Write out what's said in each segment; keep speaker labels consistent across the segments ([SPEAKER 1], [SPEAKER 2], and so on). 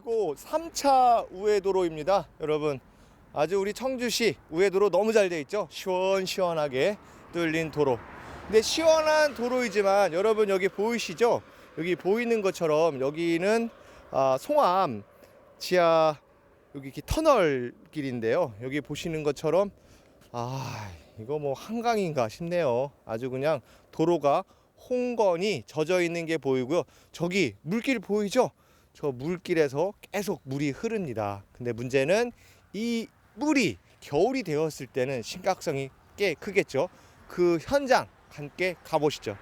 [SPEAKER 1] 이곳 3차 우회도로입니다. 여러분, 아주 우리 청주시 우회도로 너무 잘 돼 있죠. 시원시원하게 뚫린 도로. 근데 시원한 도로이지만 여러분 여기 보이시죠? 여기 보이는 것처럼 여기는 송암 지하 여기 이렇게 터널 길인데요. 여기 보시는 것처럼 이거 뭐 한강인가 싶네요. 아주 그냥 도로가 홍건이 젖어 있는 게 보이고요. 저기 물길 보이죠? 저 물길에서 계속 물이 흐릅니다. 근데 문제는 이 물이 겨울이 되었을 때는 심각성이 꽤 크겠죠. 그 현장 함께 가보시죠.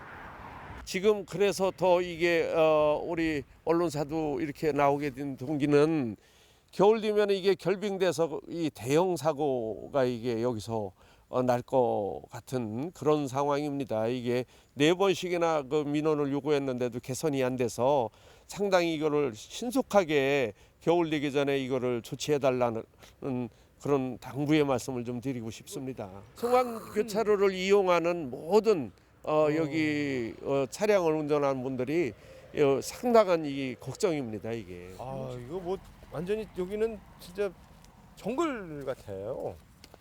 [SPEAKER 2] 지금 그래서 더 이게 우리 언론사도 이렇게 나오게 된 동기는 겨울 되면 이게 결빙돼서 이 대형 사고가 이게 여기서 날 것 같은 그런 상황입니다. 이게 4번씩이나 그 민원을 요구했는데도 개선이 안 돼서 상당히 이거를 신속하게 겨울 되기 전에 이거를 조치해 달라는 그런 당부의 말씀을 좀 드리고 싶습니다. 송암 교차로를 이용하는 모든 여기 차량을 운전하는 분들이 상당한 이 걱정입니다. 이게.
[SPEAKER 1] 이거 뭐 완전히 여기는 진짜 정글 같아요.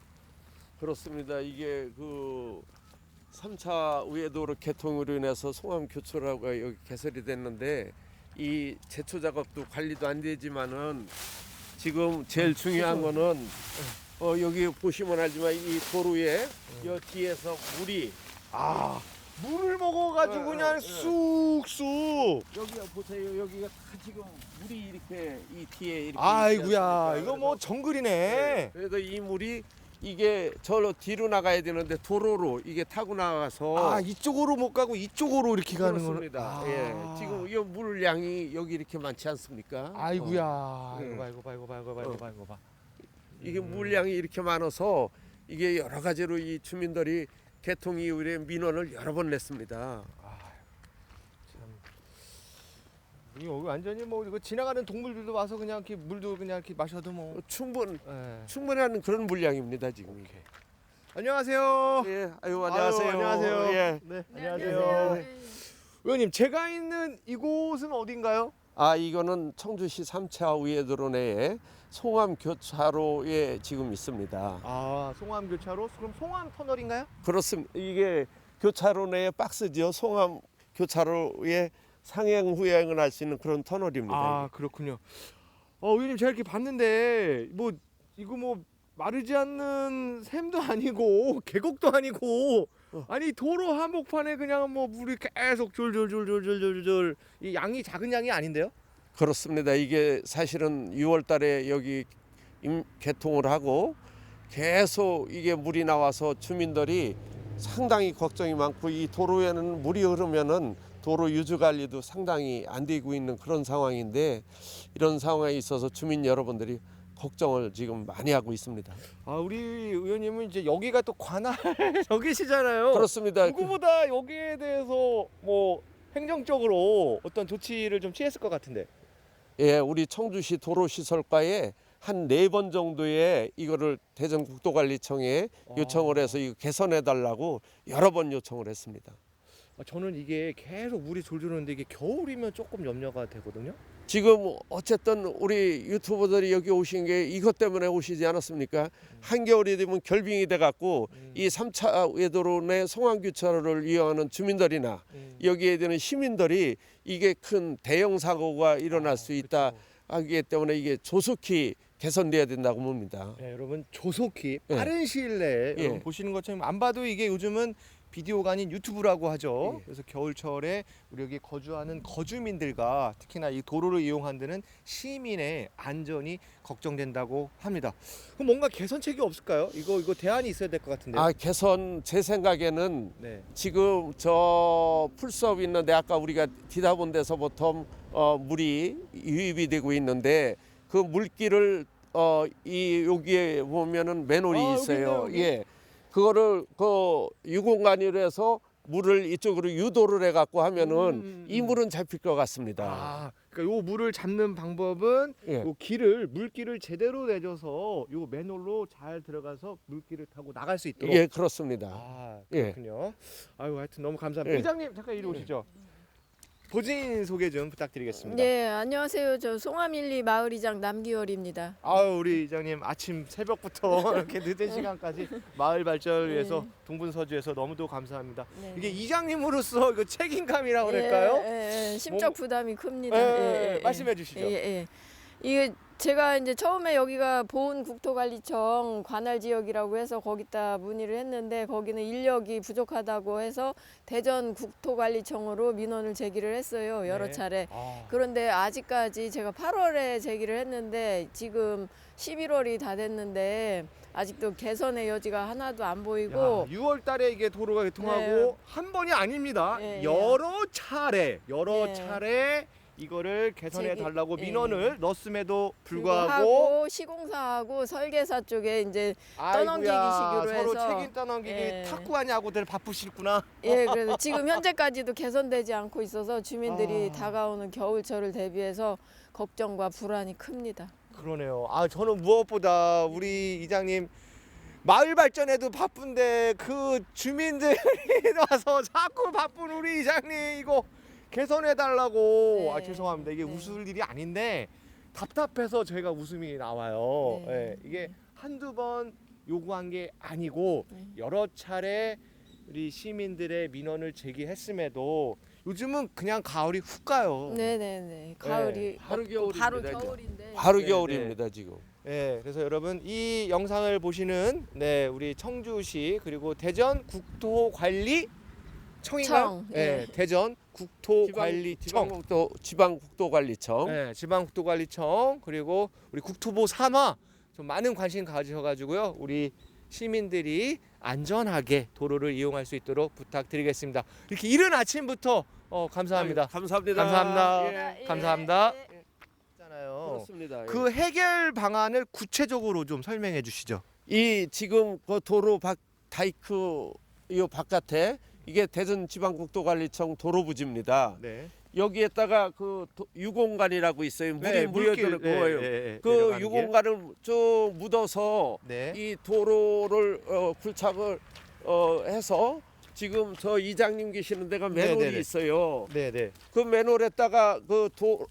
[SPEAKER 2] 그렇습니다. 이게 그 3차 우회도로 개통으로 인해서 송암 교차로가 여기 개설이 됐는데 이 제초 작업도 관리도 안 되지만은 지금 제일 중요한 거는 여기 보시면 알지만 이 도로에 여 뒤에서 물이
[SPEAKER 1] 물을 먹어가지고 그냥 쑥쑥.
[SPEAKER 2] 여기 보세요. 여기가 다 지금 물이 이렇게 이 뒤에 이렇게
[SPEAKER 1] 아이구야,
[SPEAKER 2] 있지
[SPEAKER 1] 이거 뭐
[SPEAKER 2] 않습니까?
[SPEAKER 1] 정글이네.
[SPEAKER 2] 그래서 이 물이 이게 저로 뒤로 나가야 되는데 도로로 이게 타고 나가서
[SPEAKER 1] 이쪽으로 못 가고 이쪽으로 이렇게 가는 거는.
[SPEAKER 2] 그렇습니다. 예. 지금 이 물량이 여기 이렇게 많지 않습니까?
[SPEAKER 1] 아이구야.
[SPEAKER 2] 네.
[SPEAKER 1] 이거 봐.
[SPEAKER 2] 이게 물량이 이렇게 많아서 이게 여러 가지로 이 주민들이 개통 이후에 민원을 여러 번 냈습니다.
[SPEAKER 1] 여기 완전히 뭐 이거 지나가는 동물들도 와서 그냥 이렇게 물도 그냥 이렇게 마셔도 뭐.
[SPEAKER 2] 충분한 그런 물량입니다 지금. 이게.
[SPEAKER 1] 안녕하세요.
[SPEAKER 2] 예, 안녕하세요.
[SPEAKER 1] 안녕하세요.
[SPEAKER 2] 예.
[SPEAKER 1] 네, 안녕하세요. 의원님, 제가 있는 이곳은 어딘가요?
[SPEAKER 2] 이거는 청주시 3차 우회도로 내에 송암 교차로에 지금 있습니다.
[SPEAKER 1] 송암 교차로? 그럼 송암 터널인가요?
[SPEAKER 2] 그렇습니다. 이게 교차로 내에 박스죠. 송암 교차로에 상행 후행을 할 수 있는 그런 터널입니다.
[SPEAKER 1] 그렇군요. 의원님, 제가 이렇게 봤는데 뭐 이거 뭐 마르지 않는 샘도 아니고 계곡도 아니고 아니 도로 한복판에 그냥 뭐 물이 계속 졸졸졸졸졸졸 이 양이 작은 양이 아닌데요?
[SPEAKER 2] 그렇습니다. 이게 사실은 6월 달에 여기 개통을 하고 계속 이게 물이 나와서 주민들이 상당히 걱정이 많고 이 도로에는 물이 흐르면은 도로 유지 관리도 상당히 안 되고 있는 그런 상황인데 이런 상황에 있어서 주민 여러분들이 걱정을 지금 많이 하고 있습니다.
[SPEAKER 1] 우리 의원님은 이제 여기가 또 관할 여기시잖아요.
[SPEAKER 2] 그렇습니다.
[SPEAKER 1] 누구보다 여기에 대해서 뭐 행정적으로 어떤 조치를 좀 취했을 것 같은데.
[SPEAKER 2] 예, 우리 청주시 도로시설과에 한 4번 정도의 이거를 대전국도관리청에 요청을 해서 이거 개선해 달라고 여러 번 요청을 했습니다.
[SPEAKER 1] 저는 이게 계속 물이 졸졸 오는데 이게 겨울이면 조금 염려가 되거든요.
[SPEAKER 2] 지금 어쨌든 우리 유튜버들이 여기 오신 게 이것 때문에 오시지 않았습니까? 한겨울이 되면 결빙이 돼 갖고 이 3차 외도로 내 송암교차로를 이용하는 주민들이나 여기에 되는 시민들이 이게 큰 대형 사고가 일어날 수 있다 하기 때문에 이게 조속히 개선돼야 된다고 봅니다.
[SPEAKER 1] 네, 여러분 조속히 빠른 시일 내에 여러분 보시는 것처럼 안 봐도 이게 요즘은 비디오가 아닌 유튜브라고 하죠. 그래서 겨울철에 우리 여기 거주하는 거주민들과 특히나 이 도로를 이용하는 시민의 안전이 걱정된다고 합니다. 그럼 뭔가 개선책이 없을까요? 이거 대안이 있어야 될 것 같은데요.
[SPEAKER 2] 개선 제 생각에는
[SPEAKER 1] 네.
[SPEAKER 2] 지금 저 풀숲 있는데 아까 우리가 뒤다본 데서부터 물이 유입이 되고 있는데 그 물길을 여기에 보면은 맨홀이 있어요.
[SPEAKER 1] 여기.
[SPEAKER 2] 예. 그거를 그 유공간으로 해서 물을 이쪽으로 유도를 해 갖고 하면은 이 물은 잡힐 것 같습니다.
[SPEAKER 1] 그러니까 요 물을 잡는 방법은
[SPEAKER 2] 예.
[SPEAKER 1] 요 물길을 제대로 내줘서 요 맨홀로 잘 들어가서 물길을 타고 나갈 수 있도록.
[SPEAKER 2] 예, 그렇습니다.
[SPEAKER 1] 그렇군요. 하여튼 너무 감사합니다.
[SPEAKER 2] 예.
[SPEAKER 1] 회장님 잠깐 이리 오시죠. 본인 소개 좀 부탁드리겠습니다.
[SPEAKER 3] 네, 안녕하세요. 저 송암일리 마을이장 남기월입니다.
[SPEAKER 1] 아유 우리 이장님 아침 새벽부터 이렇게 늦은 시간까지 마을 발전을 위해서
[SPEAKER 3] 네.
[SPEAKER 1] 동분서주에서 너무도 감사합니다.
[SPEAKER 3] 네.
[SPEAKER 1] 이게 이장님으로서 이거 책임감이라고 그럴까요?
[SPEAKER 3] 심적 부담이 큽니다.
[SPEAKER 1] 말씀해 주시죠.
[SPEAKER 3] 이게 제가 이제 처음에 여기가 보은국토관리청 관할 지역이라고 해서 거기다 문의를 했는데 거기는 인력이 부족하다고 해서 대전국토관리청으로 민원을 제기를 했어요. 여러
[SPEAKER 1] 네.
[SPEAKER 3] 차례.
[SPEAKER 1] 아,
[SPEAKER 3] 그런데 아직까지 제가 8월에 제기를 했는데 지금 11월이 다 됐는데 아직도 개선의 여지가 하나도 안 보이고
[SPEAKER 1] 6월 달에 이게 도로가 개통하고
[SPEAKER 3] 네.
[SPEAKER 1] 한 번이 아닙니다.
[SPEAKER 3] 네,
[SPEAKER 1] 여러 차례
[SPEAKER 3] 네.
[SPEAKER 1] 이거를 개선해
[SPEAKER 3] 제기-
[SPEAKER 1] 달라고
[SPEAKER 3] 네.
[SPEAKER 1] 민원을 넣었음에도 불구하고
[SPEAKER 3] 하고 시공사하고 설계사 쪽에 이제 떠넘기기
[SPEAKER 1] 아이고야,
[SPEAKER 3] 식으로
[SPEAKER 1] 서로
[SPEAKER 3] 해서
[SPEAKER 1] 책임 떠넘기기
[SPEAKER 3] 예.
[SPEAKER 1] 탁구하냐고들 바쁘시구나.
[SPEAKER 3] 그래서 지금 현재까지도 개선되지 않고 있어서 주민들이
[SPEAKER 1] 아.
[SPEAKER 3] 다가오는 겨울철을 대비해서 걱정과 불안이 큽니다.
[SPEAKER 1] 그러네요. 아 저는 무엇보다 우리 이장님 마을 발전에도 바쁜데 그 주민들이 와서 자꾸 바쁜 우리 이장님 이거 개선해 달라고.
[SPEAKER 3] 네.
[SPEAKER 1] 아 죄송합니다. 이게
[SPEAKER 3] 네.
[SPEAKER 1] 웃을 일이 아닌데 답답해서 저희가 웃음이 나와요.
[SPEAKER 3] 네.
[SPEAKER 1] 예, 이게 한두 번 요구한 게 아니고
[SPEAKER 3] 네.
[SPEAKER 1] 여러 차례 우리 시민들의 민원을 제기했음에도 요즘은 그냥 가을이 훅 가요.
[SPEAKER 3] 네네네. 가을이
[SPEAKER 2] 하루
[SPEAKER 3] 없고
[SPEAKER 2] 겨울입니다,
[SPEAKER 3] 바로
[SPEAKER 2] 이제.
[SPEAKER 3] 겨울인데.
[SPEAKER 2] 바로
[SPEAKER 1] 네,
[SPEAKER 2] 겨울입니다 지금.
[SPEAKER 1] 네, 그래서 여러분 이 영상을 보시는 우리 청주시 그리고 대전 국토관리청인가요?
[SPEAKER 3] 청,
[SPEAKER 1] 네,
[SPEAKER 3] 예.
[SPEAKER 1] 대전 국토관리청,
[SPEAKER 2] 지방국토관리청.
[SPEAKER 1] 네, 지방국토관리청 그리고 우리 국토부 산하 좀 많은 관심 가져가지고요 우리 시민들이 안전하게 도로를 이용할 수 있도록 부탁드리겠습니다. 이렇게 이른 아침부터 감사합니다.
[SPEAKER 2] 아유, 감사합니다.
[SPEAKER 1] 감사합니다.
[SPEAKER 2] 예.
[SPEAKER 1] 감사합니다.
[SPEAKER 3] 예.
[SPEAKER 1] 있잖아요.
[SPEAKER 2] 그렇습니다.
[SPEAKER 1] 그 해결 방안을 구체적으로 좀 설명해 주시죠.
[SPEAKER 2] 이 지금 그 도로 다이크 이 바깥에 이게 대전지방국토관리청 도로부지입니다.
[SPEAKER 1] 네.
[SPEAKER 2] 여기에다가 그 유공간이라고 있어요. 물이 들어 거예요. 그 유공간을 쭉 묻어서
[SPEAKER 1] 네.
[SPEAKER 2] 이 도로를 굴착을 해서 지금 저 이장님 계시는 데가 맨홀이
[SPEAKER 1] 네네네.
[SPEAKER 2] 있어요.
[SPEAKER 1] 네네.
[SPEAKER 2] 그 맨홀에다가 그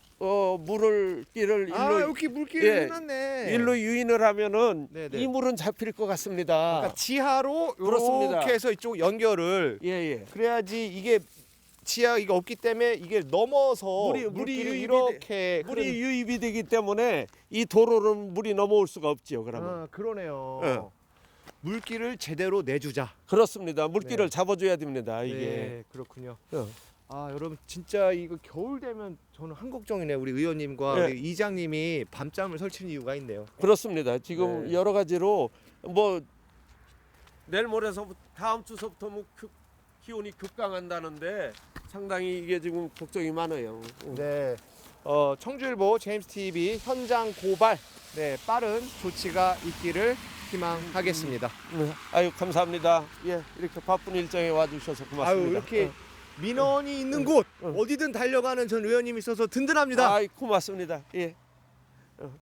[SPEAKER 2] 물길을
[SPEAKER 1] 아
[SPEAKER 2] 일로
[SPEAKER 1] 이렇게 물길을
[SPEAKER 2] 예,
[SPEAKER 1] 해놨네.
[SPEAKER 2] 일로 유인을 하면은
[SPEAKER 1] 네네.
[SPEAKER 2] 이 물은 잡힐 것 같습니다.
[SPEAKER 1] 그러니까 지하로
[SPEAKER 2] 그렇습니다.
[SPEAKER 1] 이렇게 해서 이쪽 연결을
[SPEAKER 2] 예예.
[SPEAKER 1] 그래야지 이게 지하 이게 없기 때문에 이게 넘어서
[SPEAKER 2] 물이
[SPEAKER 1] 물길이
[SPEAKER 2] 유입이
[SPEAKER 1] 이렇게
[SPEAKER 2] 물이 유입이 되기 때문에 이 도로는 물이 넘어올 수가 없죠. 그러면
[SPEAKER 1] 아 그러네요.
[SPEAKER 2] 예.
[SPEAKER 1] 물길을 제대로 내주자.
[SPEAKER 2] 그렇습니다. 물길을
[SPEAKER 1] 네.
[SPEAKER 2] 잡아줘야 됩니다. 이게.
[SPEAKER 1] 네, 그렇군요.
[SPEAKER 2] 어.
[SPEAKER 1] 아 여러분 진짜 이거 겨울 되면 저는 한 걱정이네. 우리 의원님과
[SPEAKER 2] 네.
[SPEAKER 1] 우리 이장님이 밤잠을 설치는 이유가 있네요.
[SPEAKER 2] 그렇습니다. 지금
[SPEAKER 1] 네.
[SPEAKER 2] 여러 가지로 뭐 내일 모레서 다음 주서부터 뭐 기온이 급강한다는데 상당히 이게 지금 걱정이 많아요.
[SPEAKER 1] 네. 청주일보 제임스 TV 현장 고발. 네, 빠른 조치가 있기를 희망하겠습니다.
[SPEAKER 2] 아유 감사합니다. 예, 이렇게 바쁜 일정에 와주셔서 고맙습니다.
[SPEAKER 1] 아유 이렇게 민원이 있는 곳 어디든 달려가는 전 의원님이 있어서 든든합니다.
[SPEAKER 2] 아이 고맙습니다. 예.